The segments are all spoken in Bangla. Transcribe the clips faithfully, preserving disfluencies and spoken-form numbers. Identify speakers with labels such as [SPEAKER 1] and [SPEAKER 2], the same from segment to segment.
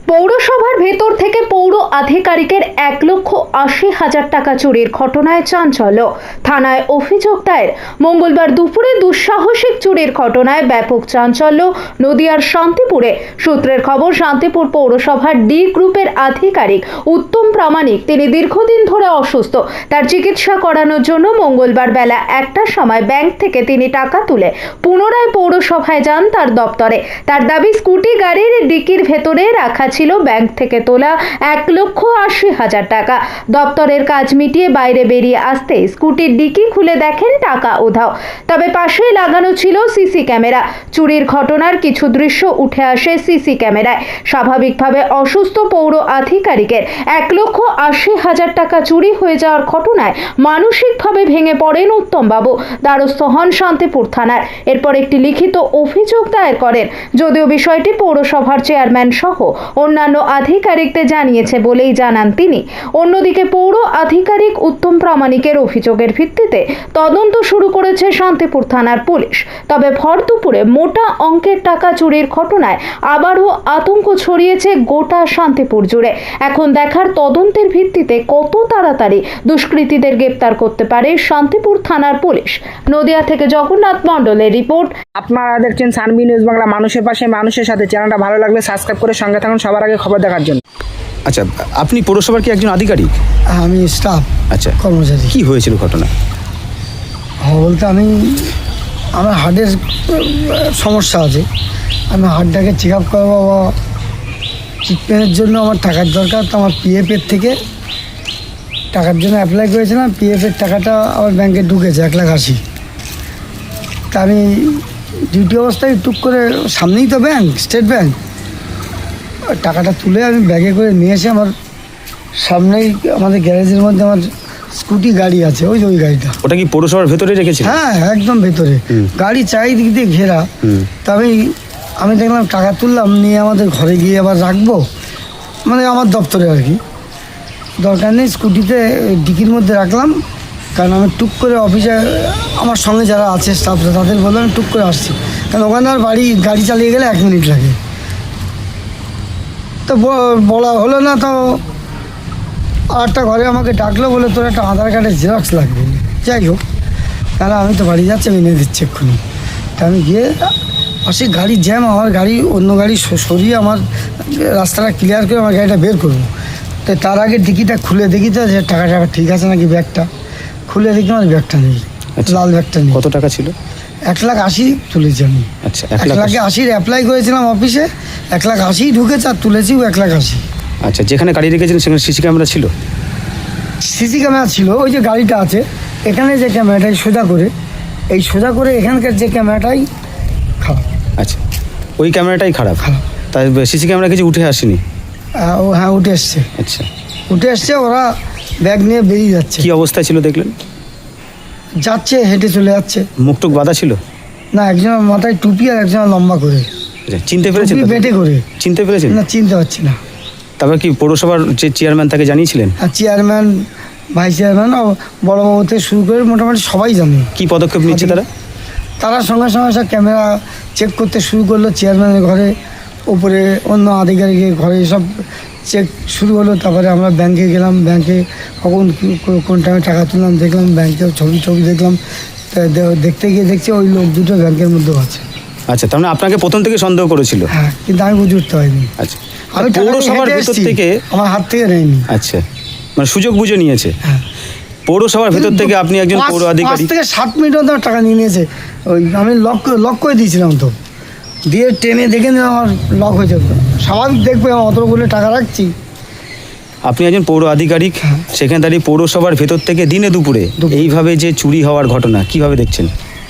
[SPEAKER 1] পৌরসভার ভেতর থেকে পৌর আধিকারিকের এক লক্ষ আশি হাজার টাকা চুরির ঘটনায় চাঞ্চল্য। থানায় অভিযোগ দায়ের। মঙ্গলবার দুপুরে দুঃসাহসিক চুরির ঘটনায় ব্যাপক চাঞ্চল্য নদিয়ার শান্তিপুরে। সূত্রের খবর, শান্তিপুর পৌরসভার ডি গ্রুপের আধিকারিক উত্তম প্রামাণিক, তিনি দীর্ঘদিন ধরে অসুস্থ। তার চিকিৎসা করানোর জন্য মঙ্গলবার বেলা একটার সময় ব্যাংক থেকে তিনি টাকা তুলে পুনরায় পৌরসভায় যান তার দপ্তরে। তার দাবি, স্কুটি গাড়ির ডিকির ভেতরে রাখা ছিল ব্যাংক থেকে তোলা এক লক্ষ আশি হাজার টাকা। দপ্তরের কাজ মিটিয়ে বাইরে বেরিয়ে আসতে স্কুটির ডিকি খুলে দেখেন টাকা উধাও। তবে পাশেই লাগানো ছিল সিসি ক্যামেরা। চুরির ঘটনার কিছু দৃশ্য উঠে আসে সিসি ক্যামেরায়। স্বাভাবিকভাবে অসুস্থ পৌর আধিকারিকের এক লক্ষ আশি হাজার টাকা চুরি হয়ে যাওয়ার ঘটনায় মানসিকভাবে ভেঙে পড়েন উত্তমবাবু। দ্বারস্থ হন শান্তিপুর থানার। এরপর একটি লিখিত অভিযোগ দায়ের করেন। যদিও বিষয়টি পৌরসভার চেয়ারম্যান সহ অন্যান্য আধিকারিকদের জানিয়েছে বলেই জানান তিনি। অন্যদিকে পৌর আধিকারিক উত্তম প্রামাণিকের অভিযোগের ভিত্তিতে তদন্ত শুরু করেছে শান্তিপুর থানার পুলিশ। তবে ভর দুপুরে মোটা অঙ্কের টাকা চুরির ঘটনায় আবারও আতঙ্ক ছড়িয়েছে গোটা শান্তিপুর জুড়ে। এখন দেখার তদন্তের ভিত্তিতে কত তাড়াতাড়ি দুষ্কৃতীদের গ্রেপ্তার করতে পারে শান্তিপুর থানার পুলিশ। নদিয়া থেকে জগন্নাথ মণ্ডলের রিপোর্ট।
[SPEAKER 2] আপনারা দেখছেন সানবি নিউজ বাংলা, মানুষের পাশে মানুষের সাথে। চ্যানেলটা ভালো লাগলে সাবস্ক্রাইব করে সঙ্গে থাকুন সবার আগে খবর দেখার জন্য।
[SPEAKER 3] আচ্ছা, আপনি পৌরসভার কি একজন আধিকারিক?
[SPEAKER 4] আমি স্টাফ।
[SPEAKER 3] আচ্ছা,
[SPEAKER 4] কর্মচারী।
[SPEAKER 3] কি হয়েছিল ঘটনা?
[SPEAKER 4] হ্যাঁ, বলতে আমি আমার হার্টের সমস্যা আছে। আমি হার্টটাকে চেক আপ করবো বা ট্রিটমেন্টের জন্য আমার টাকার দরকার। তো আমার পিএফের থেকে টাকার জন্য অ্যাপ্লাই করেছিলাম। পিএফের টাকাটা আমার ব্যাংকে ঢুকেছে এক লাখ আশি। তা আমি ডিউটি অবস্থায় টুক করে, সামনেই তো ব্যাংক, স্টেট ব্যাংক, টাকাটা তুলে আমি ব্যাগে করে নিয়ে এসে আমার সামনেই আমাদের গ্যারেজের মধ্যে আমার স্কুটি গাড়ি আছে, ওই যে ওই গাড়িটা।
[SPEAKER 3] ওটা কি পৌরসভার ভেতরে রেখেছিল?
[SPEAKER 4] হ্যাঁ, একদম ভেতরে গাড়ি চারিদিক দিয়ে ঘেরা। তা আমি আমি দেখলাম টাকা তুললাম, নিয়ে আমাদের ঘরে গিয়ে আবার রাখবো, মানে আমার দপ্তরে আর কি, দরকার নেই। স্কুটিতে ডিকির মধ্যে রাখলাম, কারণ আমি টুক করে অফিসে আমার সঙ্গে যারা আছে স্টাফরা তাদের বললাম আমি টুক করে আসছি, কারণ ওখানে আর বাড়ি গাড়ি চালিয়ে গেলে এক মিনিট লাগে। তো বলা হলো না, তো আরেকটা ঘরে আমাকে ডাকলো, বলে তোর একটা আধার কার্ডের জেরক্স লাগবে। যাই হোক, তাহলে আমি তো বাড়ি যাচ্ছি, আমি এনে দিচ্ছি এক্ষুনি। তা আমি গিয়ে পাশে গাড়ি জ্যাম, আমার গাড়ি অন্য গাড়ি সরিয়ে আমার রাস্তাটা ক্লিয়ার করে আমার গাড়িটা বের করবো। তো তার আগে ডিকিটা খুলে দেখি তো যে টাকা টাকা ঠিক আছে নাকি। ব্যাগটা খুলে দেখি আমার ব্যাগটা নেই, লাল ব্যাগটা নেই।
[SPEAKER 3] কত টাকা ছিল?
[SPEAKER 4] এক লাখ আশি তুলেছি আমি।
[SPEAKER 3] আচ্ছা,
[SPEAKER 4] এক লাখে আশির অ্যাপ্লাই করেছিলাম অফিসে, এক লাখ আশি ঢুকেছে আর তুলেছিও এক লাখ আশি।
[SPEAKER 3] আচ্ছা, যেখানে গাড়ি রেখেছিলেন সেখানে সিসি ক্যামেরা ছিল?
[SPEAKER 4] সিসি ক্যামেরা ছিল, ওই যে গাড়িটা আছে এখানে, যে ক্যামেরাটাই সোজা করে, এই সোজা করে এখানকার যে ক্যামেরাটাই খারাপ।
[SPEAKER 3] আচ্ছা, ওই ক্যামেরাটাই খারাপ?
[SPEAKER 4] খারাপ।
[SPEAKER 3] তাই সিসি ক্যামেরা কিছু উঠে আসেনি?
[SPEAKER 4] ও হ্যাঁ, উঠে এসছে।
[SPEAKER 3] আচ্ছা,
[SPEAKER 4] উঠে এসছে, ওরা ব্যাগ নিয়ে বেরিয়ে যাচ্ছে।
[SPEAKER 3] কি অবস্থায় ছিল দেখলেন?
[SPEAKER 4] যাচ্ছে, হেঁটে চলে যাচ্ছে।
[SPEAKER 3] মুখটুক বাঁধা ছিল?
[SPEAKER 4] না, একজনের মাথায় টুপি আর একজনের লম্বা করে।
[SPEAKER 3] আচ্ছা, চিনতে পেরেছেন?
[SPEAKER 4] বেটে করে।
[SPEAKER 3] চিনতে পেরেছেন?
[SPEAKER 4] না, চিনতে পারছি না।
[SPEAKER 3] তারপর কি পৌরসভার যে চেয়ারম্যান তাকে জানিয়েছিলেন?
[SPEAKER 4] আর চেয়ারম্যান, ভাইস চেয়ারম্যান, বড়বাবু থেকে শুরু করে মোটামুটি সবাই জানে।
[SPEAKER 3] কি পদক্ষেপ নিচ্ছে তারা?
[SPEAKER 4] তারা সঙ্গে সঙ্গে সব ক্যামেরা চেক করতে শুরু করলো। চেয়ারম্যানের ঘরে, উপরে অন্য আধিকারিকের ঘরে সব চেক শুরু হলো। তারপরে আমরা ব্যাংকে গেলাম, ব্যাংকে কখন কোন টাইমে টাকা তুললাম দেখলাম, ব্যাংকেও ছবি ছবি দেখলাম। দেখতে গিয়ে দেখছি ওই লোক দুটো ব্যাংকের মধ্যেও আছে।
[SPEAKER 3] আচ্ছা, তার মানে আপনাকে প্রথম থেকে সন্দেহ করেছিল?
[SPEAKER 4] হ্যাঁ, কিন্তু আমি বুঝে উঠতে পারিনি।
[SPEAKER 3] আচ্ছা,
[SPEAKER 4] আমি
[SPEAKER 3] পৌরসভার ভেতর থেকে
[SPEAKER 4] আমার হাত থেকে নেয়নি।
[SPEAKER 3] আচ্ছা, মানে সুযোগ বুঝে নিয়েছে।
[SPEAKER 4] হ্যাঁ,
[SPEAKER 3] পৌরসভার ভেতর থেকে আপনি একজন পৌর আধিকারিক,
[SPEAKER 4] পাঁচ থেকে সাত মিনিট মতো টাকা নিয়ে নিয়েছে। ওই আমি লক লক করে দিয়েছিলাম, তো দিয়ে টেনে দেখে নিলাম আমার লক হয়ে যেত। স্বাভাবিক দেখবে আমি অতগুলো টাকা রাখছি।
[SPEAKER 3] আপনি একজন পৌর আধিকারিক, সেখানে দাঁড়িয়ে পৌরসভার ভেতর থেকে দিনে দুপুরে এইভাবে যে চুরি হওয়ার ঘটনা কিভাবে দেখছেন?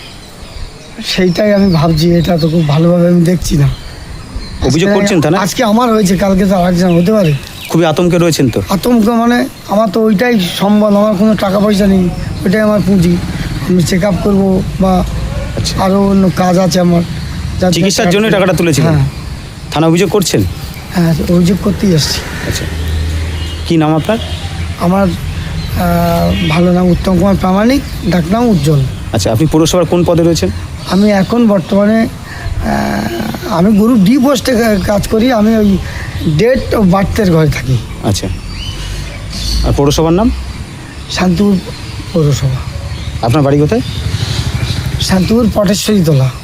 [SPEAKER 4] সেইটাই আমি ভাবছি, এটা তো খুব ভালোভাবে আমি দেখছি না।
[SPEAKER 3] অভিযোগ করছেন তা না?
[SPEAKER 4] আজকে আমার হয়েছে, কালকে তো আরেকজন হতে পারে।
[SPEAKER 3] খুবই আতঙ্কে রয়েছেন তো?
[SPEAKER 4] আতঙ্ক মানে আমার তো ওইটাই সম্বল, আমার কোনো টাকা পয়সা নেই, ওইটাই আমার পুঁজি। আমি চেক আপ করবো বা আরও অন্য কাজ আছে আমার,
[SPEAKER 3] চিকিৎসার জন্য টাকাটা তুলেছিলেন।
[SPEAKER 4] হ্যাঁ।
[SPEAKER 3] থানা অভিযোগ করছেন?
[SPEAKER 4] হ্যাঁ, অভিযোগ করতেই আসছি।
[SPEAKER 3] আচ্ছা, কী নাম আপনার?
[SPEAKER 4] আমার ভালো নাম উত্তম কুমার প্রামাণিক, ডাকনাম উজ্জ্বল।
[SPEAKER 3] আচ্ছা, আপনি পৌরসভার কোন পদে রয়েছেন?
[SPEAKER 4] আমি এখন বর্তমানে আমি গ্রুপ ডি পোস্টে কাজ করি, আমি ওই ডেট ও বার্থের ঘরে থাকি।
[SPEAKER 3] আচ্ছা, আর পৌরসভার নাম?
[SPEAKER 4] শান্তিপুর পৌরসভা।
[SPEAKER 3] আপনার বাড়ি কোথায়?
[SPEAKER 4] শান্তিপুর পটেশ্বরী তোলা।